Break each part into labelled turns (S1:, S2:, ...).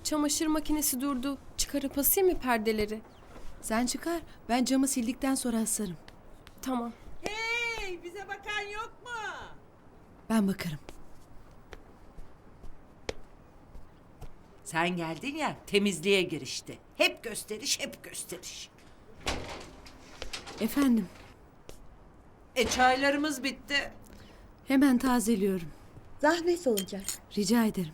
S1: Çamaşır makinesi durdu. Çıkarıp asayım mı perdeleri?
S2: Sen çıkar. Ben camı sildikten sonra asarım.
S1: Tamam.
S3: Hey, bize bakan yok mu?
S2: Ben bakarım.
S3: Sen geldin ya, temizliğe girişti. Hep gösteriş, hep gösteriş.
S2: Efendim,
S3: Çaylarımız bitti.
S2: hemen tazeliyorum.
S4: Zahmet olacak.
S2: Rica ederim.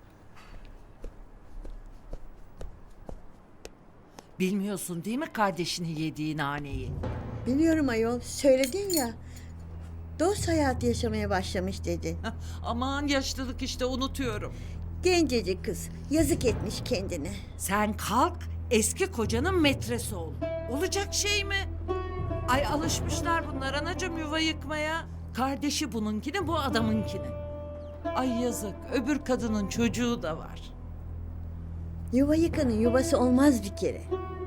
S3: Bilmiyorsun değil mi kardeşinin yediği naneyi?
S4: Biliyorum ayol, söyledin ya. Dost hayatı yaşamaya başlamış dedin.
S3: Aman yaşlılık işte, unutuyorum.
S4: Gencecik kız, yazık etmiş kendine.
S3: Sen kalk, eski kocanın metresi ol. Olacak şey mi? Ay alışmışlar bunlar anacığım yuva yıkmaya. Kardeşi bununkini, bu adamınkini. Ay yazık, öbür kadının çocuğu da var.
S4: Yuva yıkanın yuvası olmaz bir kere.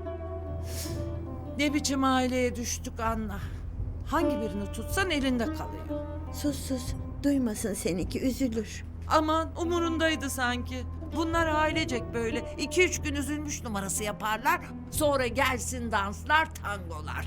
S3: Ne biçim aileye düştük Anna. Hangi birini tutsan elinde kalıyor.
S4: Sus sus, duymasın seninki, üzülür.
S3: Aman umurundaydı sanki. Bunlar ailecek böyle 2-3 gün üzülmüş numarası yaparlar. Sonra gelsin danslar, tangolar.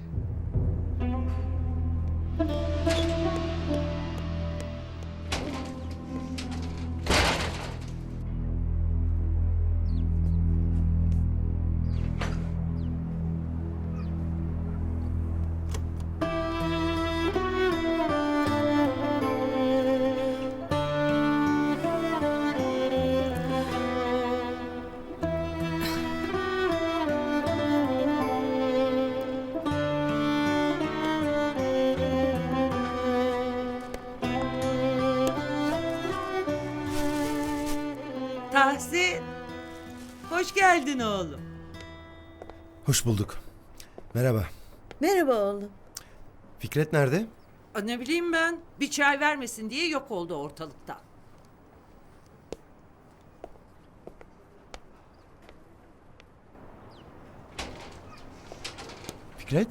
S3: Tahsin, hoş geldin oğlum.
S5: Hoş bulduk. Merhaba.
S4: Merhaba oğlum.
S5: Fikret nerede?
S3: Ne bileyim ben, bir çay vermesin diye yok oldu ortalıktan.
S5: Fikret?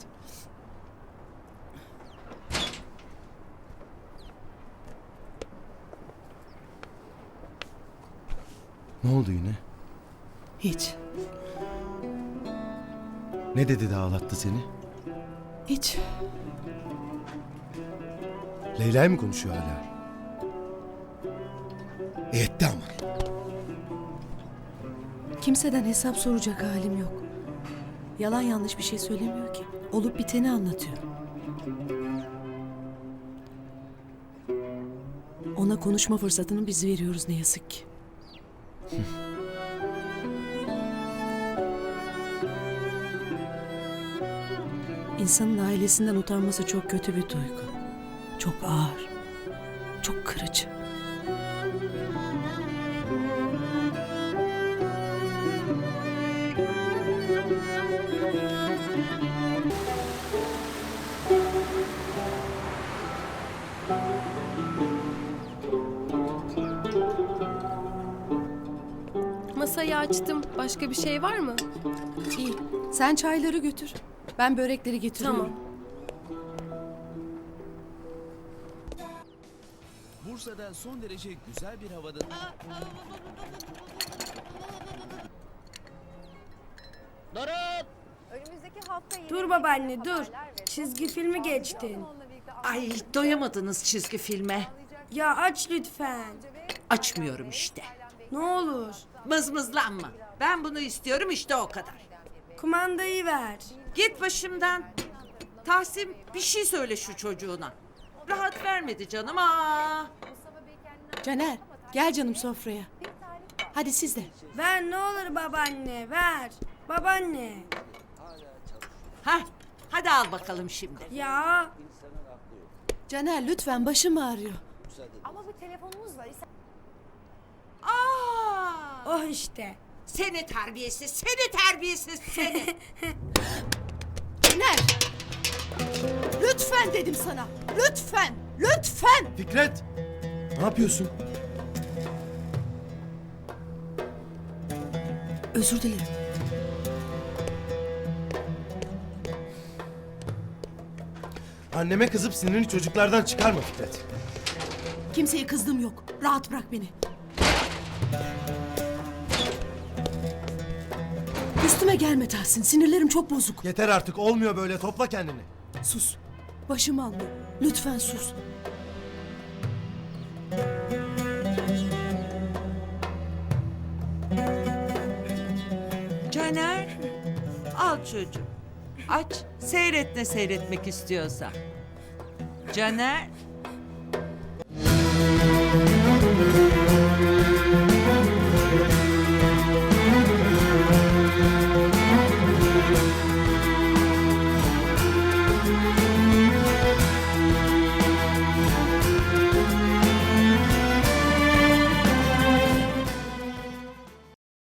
S5: Ne oldu yine?
S2: Hiç,
S5: Ne dedi de ağlattı seni?
S2: hiç.
S5: Leyla mı konuşuyor hala? Etti ama.
S2: Kimseden hesap soracak halim yok. Yalan yanlış bir şey söylemiyor ki. Olup biteni anlatıyor. Ona konuşma fırsatını biz veriyoruz ne yazık ki. İnsanın ailesinden utanması çok kötü bir duygu. Çok ağır. Çok kırıcı.
S1: Masayı açtım. Başka bir şey var mı?
S2: İyi. Sen çayları götür. Ben börekleri getiriyorum.
S1: Tamam.
S6: Bursa'da son derece güzel bir havada...
S7: Önümüzdeki hafta yine
S8: Dur babaanne dur. Çizgi filmi geçtin.
S3: Ay doyamadınız çizgi filme.
S8: Ya aç lütfen.
S3: Açmıyorum işte.
S8: Ne olur.
S3: Mızmızlanma. Ben bunu istiyorum işte o kadar.
S8: Kumandayı ver.
S3: Git başımdan. Tahsin bir şey söyle şu çocuğuna. Rahat vermedi canım. Aa.
S2: Caner gel canım sofraya. Hadi siz de.
S8: Ver ne olur babaanne ver. Babaanne.
S3: Hah, hadi al bakalım şimdi.
S8: Ya
S2: Caner lütfen başım ağrıyor.
S7: ama bu telefonumuz var.
S3: Aa!
S8: oh işte.
S3: Seni terbiyesiz, seni terbiyesiz seni.
S2: Caner! Lütfen dedim sana. Lütfen. Lütfen.
S5: Fikret! Ne yapıyorsun?
S2: Özür dilerim.
S5: Anneme kızıp sinirini çocuklardan çıkarma Fikret.
S2: Kimseye kızdığım yok. Rahat bırak beni. Üstüme gelme Tahsin. Sinirlerim çok bozuk.
S5: Yeter artık, olmuyor böyle, topla kendini.
S2: Sus. Başım alma. Lütfen sus.
S3: Caner, al çocuğum. Aç, seyret ne seyretmek istiyorsan. Caner,